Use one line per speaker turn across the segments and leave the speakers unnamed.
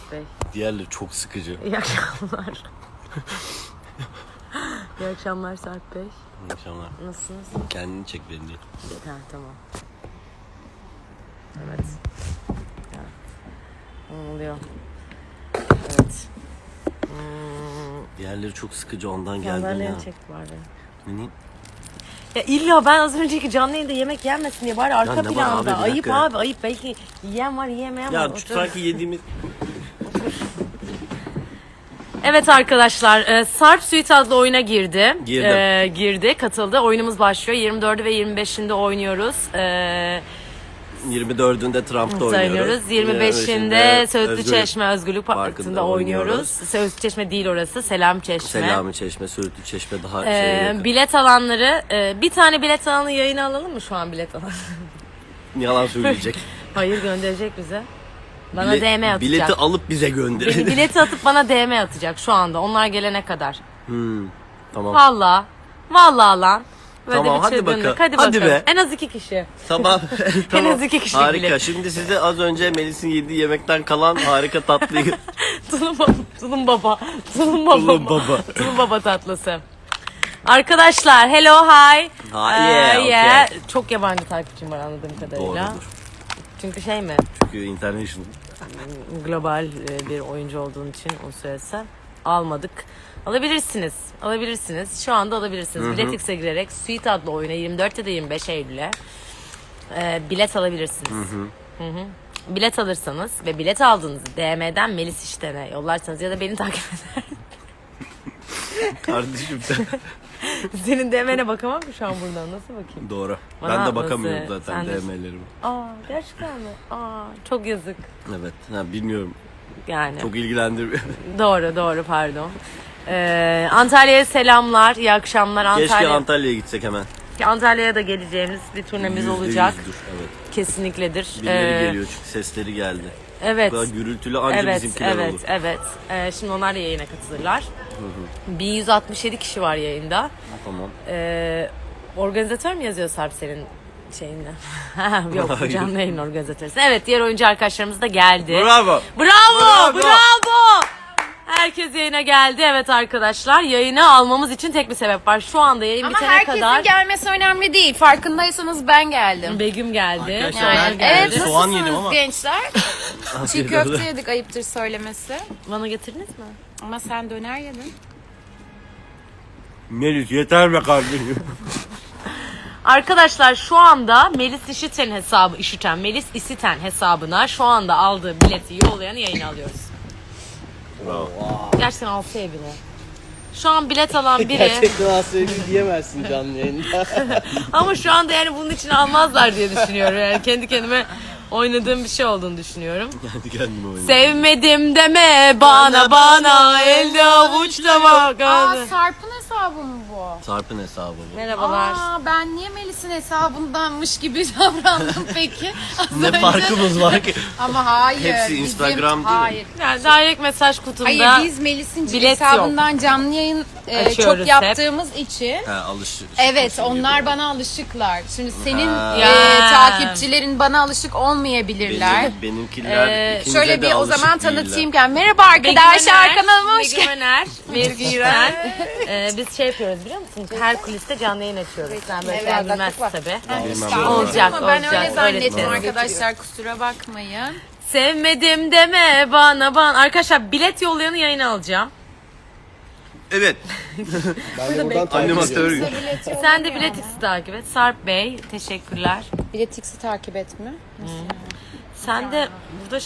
Bey.
Diğerleri çok sıkıcı.
İyi akşamlar. İyi akşamlar Sarp Bey.
İyi akşamlar.
Nasılsınız?
Kendini çek beni.
Ha, tamam. Evet. Ya. Ne oluyor? Evet.
Diğerleri çok sıkıcı, ondan geldim ya.
Sandalye çek bari.
Ne?
Ya illa ben az önceki canlı yayında yemek yenmesin diye bari arka
ne var abi,
planda.
bir
Ayıp
dakika.
abi, ayıp. Belki yiyen var, yiyemeyen var.
Ya
Otur.
sanki yediğimiz...
Evet arkadaşlar, Sarp Suite adlı oyuna girdi.
Girdim.
Girdi, katıldı. Oyunumuz başlıyor. 24'ü ve 25'inde oynuyoruz.
24'ünde Trump'ta oynuyoruz.
25'inde Söğütlü
Özgürlük
Çeşme Özgürlük Parkı'nda oynuyoruz. Söğütlü Çeşme değil orası, Selam Çeşme.
Selami Çeşme, Söğütlü Çeşme daha
Bilet alanları, bir tane bilet alanı yayına alalım mı şu an bilet alanı?
Yalan söyleyecek.
Hayır, gönderecek bize. Bana DM atacak.
Bileti alıp bize gönderin.
Bileti atıp bana DM atacak şu anda. Onlar gelene kadar.
Tamam.
Vallahi lan. Böyle
Tamam,
bir
hadi
çılgınlık.
bakalım.
Hadi
Hadi
bakalım.
be.
En az 2 kişi.
Tamam. Tamam.
az 2 kişilik
Harika.
bilet.
Şimdi size az önce Melis'in yediği yemekten kalan harika tatlıyı...
Tulum baba. Tulum baba. Tulum baba tatlısı. Arkadaşlar hello hi.
Yeah, okay.
Çok yabancı takipçim var anladığım kadarıyla.
Doğrudur.
Çünkü şey mi?
Çünkü international.
Global bir oyuncu olduğun için onu söylesem. Almadık. Alabilirsiniz. Şu anda alabilirsiniz. Biletix'e girerek Suite adlı oyuna 24 ya da 25 Eylül'e bilet alabilirsiniz. Bilet alırsanız ve bilet aldığınızı DM'den Melis İşten'e yollarsanız ya da beni takip eder.
Kardeşim sen.
Senin DM'ne bakamam ki şu an buradan. Nasıl bakayım?
Doğru.
Bana
Ben de bakamıyorum
nasıl?
zaten
Sen de-
DM'lerime.
Gerçekten mi? Çok yazık.
Evet. Bilmiyorum.
Yani.
Çok ilgilendirmiyor.
Doğru pardon. Antalya'ya selamlar. İyi akşamlar.
Keşke Antalya'ya gitsek hemen.
Antalya'ya da geleceğimiz bir turnemiz olacak.
%100'dür, evet.
Kesinlikledir.
Birileri geliyor çünkü sesleri geldi.
Evet.
Bu kadar gürültülü anca bizimkiler olur.
Evet. Şimdi onlar da yayına katılırlar. 1167 kişi var yayında.
Tamam.
Organizatör mü yazıyor Sarp senin şeyinde? Yok,
Hayır.
canlı yayın organizatörüsün. Evet, diğer oyuncu arkadaşlarımız da geldi.
Bravo.
Bravo. Herkes yayına geldi. Evet arkadaşlar, yayını almamız için tek bir sebep var. Şu anda yayın
Ama
bitene
herkesin
kadar
gelmesi önemli değil. Farkındaysanız ben geldim.
Begüm geldi.
Arkadaşlar,
Soner
ben-
geldi.
Evet,
Soğan
nasılsınız
yedim ama.
gençler? Çiğ
Afiyet
köfte
olsun.
yedik, ayıptır söylemesi.
Bana getirdiniz mi?
Ama sen döner yedin.
Melis yeter be kardeşim.
Arkadaşlar şu anda Melis İşiten hesabına şu anda aldığı bileti yollayanı yayına alıyoruz.
Bravo.
Gerçekten alsa ya bile. Şu an bilet alan biri
Gerçekten asayı diyemezsin canlı yayında.
ama şu anda yani bunun için almazlar diye düşünüyorum. Yani kendi kendime oynadığım bir şey olduğunu düşünüyorum.
Kendi kendime oynadım.
Sevmedim deme bana elde avuçla bak.
Sarp'ın hesabı mı bu?
Sarp'ın hesabı bu.
Merhabalar.
Ben niye Melis'in hesabındanmış gibi davrandım peki? Az
Ne
önce.
farkımız var ki?
Ama hayır.
Hepsi
bizim-
Instagram değil mi?
Hayır.
Yani direkt mesaj kutumda
Hayır, biz Melis'in
bilet
hesabından canlı yayın
Açıyoruz
çok yaptığımız için. Evet, onlar bana alışıklar. Şimdi senin
Ya.
takipçilerin bana alışık olmayabilirler.
Benimkiler ikinize
Şöyle
de
bir o
alışık
zaman
değiller.
tanıtayım ki. Merhaba arkadaşlar, kanalıma hoş geldiniz.
Begüm İren. Biz şey yapıyoruz biliyor musunuz? Her kuliste canlı yayın açıyoruz. Sen böyle şeyler
Evet,
bilmezsin
bak.
tabii.
Bilmem
Olacak,
Ama ben öyle
olacak.
zannettim
Öyle
arkadaşlar, kusura bakmayın.
Sevmedim deme bana. Arkadaşlar bilet yollayanı yayına alacağım.
Evet.
Ben de buradan takip
Animatör
ediyorum.
gibi.
Sen de Biletix'i takip et. Sarp Bey teşekkürler.
Biletix'i takip etme.
Sen de burada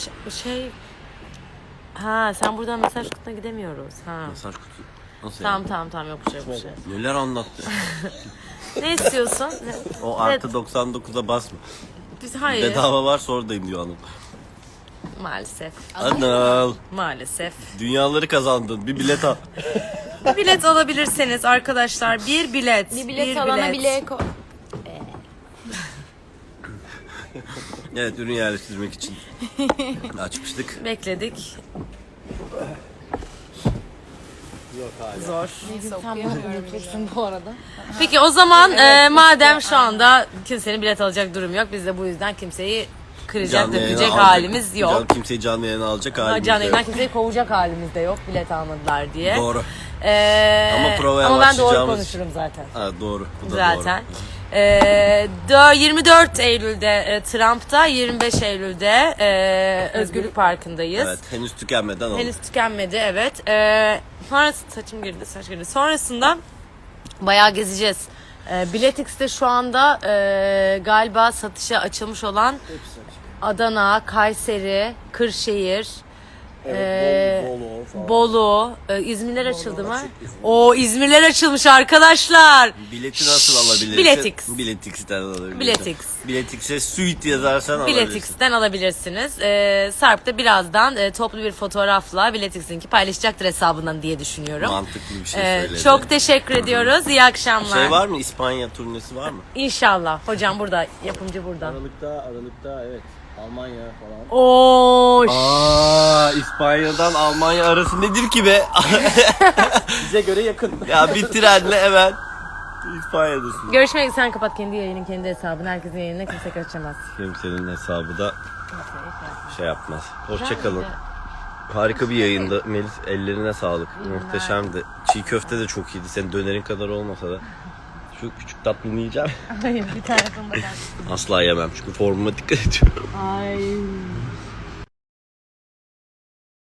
sen buradan mesaj kutuna gidemiyoruz.
Mesaj kutu. Nasıl yani?
Tamam yok bir şey.
Neler anlattı?
Ne istiyorsun?
O artı 99'a basma.
Biz hayır.
Bedava var oradayım diyor hanım.
Maalesef.
Anıl.
Maalesef.
Dünyaları kazandın. Bir bilet al.
Bilet alabilirseniz arkadaşlar bir bilet.
Bir bilet alana bile
Evet, ürün yerleştirmek için açmıştık.
Bekledik.
Yok hala.
Zor.
okuyamıyorum bu arada.
Peki o zaman madem şu anda kimsenin bilet alacak durum yok. Biz de bu yüzden kimseyi kıracak,
Canlı yayına
dökecek
alacak-
halimiz yok.
Kimseyi canlı yayına alacak halimiz
Canlı
de
yayından
yok.
kimseyi kovacak halimiz de yok bilet almadılar diye.
Doğru.
Ama
provaya
ben doğru
başlayacağımız-
konuşurum zaten.
Ha, doğru. Bu da
Zaten.
doğru.
24 Eylül'de Trump'ta, 25 Eylül'de Özgürlük Parkı'ndayız.
Evet, henüz tükenmeden oldu.
Henüz tükenmedi, evet. Sonrasında saçım girdi, saç girdi. Sonrasında bayağı gezeceğiz. Biletix'te şu anda galiba satışa açılmış olan Adana, Kayseri, Kırşehir,
Bolu falan.
Bolu, İzmirler açıldı mı? O İzmirler açılmış arkadaşlar.
Bileti nasıl alabilirsin?
Biletix.
Biletix'ten alabilirsin.
Biletix.
Biletix'e suite yazarsan alabilirsin.
Biletix'ten alabilirsiniz. Sarp da birazdan toplu bir fotoğrafla Biletix'in paylaşacaktır hesabından diye düşünüyorum.
Mantıklı bir şey söyledi.
Çok teşekkür ediyoruz. İyi akşamlar.
Şey var mı? İspanya turnesi var mı?
İnşallah. Hocam burada, yapımcı burada.
Aralıkta evet. Almanya falan.
Oo,
İspanya'dan Almanya arası nedir ki be?
Bize göre yakın.
Ya bir trenle hemen İspanya'dasın.
görüşmek üzere. Sen kapat kendi yayının, kendi hesabını. Herkesin yayınına kimse karışamaz.
Kimsenin hesabı da şey yapmaz. Hoşçakalın. Harika bir yayında. Melis, ellerine sağlık. Muhteşemdi. Çiğ köfte de çok iyiydi. Senin dönerin kadar olmasa da. Şu küçük tatlını yiyeceğim.
Hayır, bir tane bakar.
Asla yemem çünkü formuma dikkat ediyorum.
Ay.